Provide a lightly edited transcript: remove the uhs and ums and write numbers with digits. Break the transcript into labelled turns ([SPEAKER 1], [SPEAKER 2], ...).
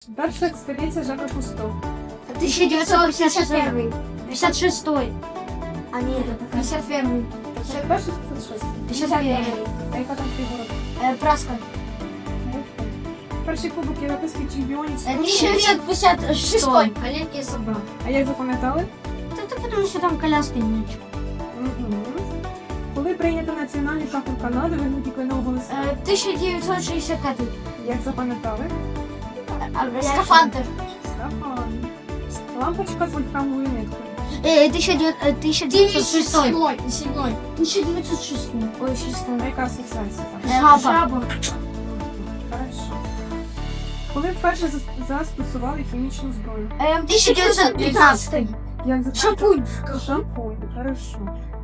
[SPEAKER 1] Перша експедиція Жака Кусто.
[SPEAKER 2] 1951. 56.
[SPEAKER 3] А ні,
[SPEAKER 2] 51.
[SPEAKER 1] 51 чи 56?
[SPEAKER 2] 51.
[SPEAKER 1] А яка там фігура?
[SPEAKER 2] Праска.
[SPEAKER 1] Перший кубок європейських чемпіонів.
[SPEAKER 2] 1956.
[SPEAKER 3] Маленький собак.
[SPEAKER 1] А як запам'ятали?
[SPEAKER 2] Это потому что там коляска и мяч.
[SPEAKER 1] Мгм. Коли прийнято національний прапор Канади, вигнуті кленового листа.
[SPEAKER 2] 1965.
[SPEAKER 1] Як запам'ятали?
[SPEAKER 2] Скафандр.
[SPEAKER 1] Скафан. Лампочка з вольфрамовою ниткою.
[SPEAKER 2] 1906.
[SPEAKER 3] 7.
[SPEAKER 2] 1906. Ой, 6.
[SPEAKER 1] А яка асоціація там?
[SPEAKER 2] Жаба.
[SPEAKER 1] Хорошо. Коли вперше застосували хімічну зброю?
[SPEAKER 2] 1915.
[SPEAKER 1] Як запам'ятали?
[SPEAKER 2] Шампунь.
[SPEAKER 1] Шампунь. Хорошо.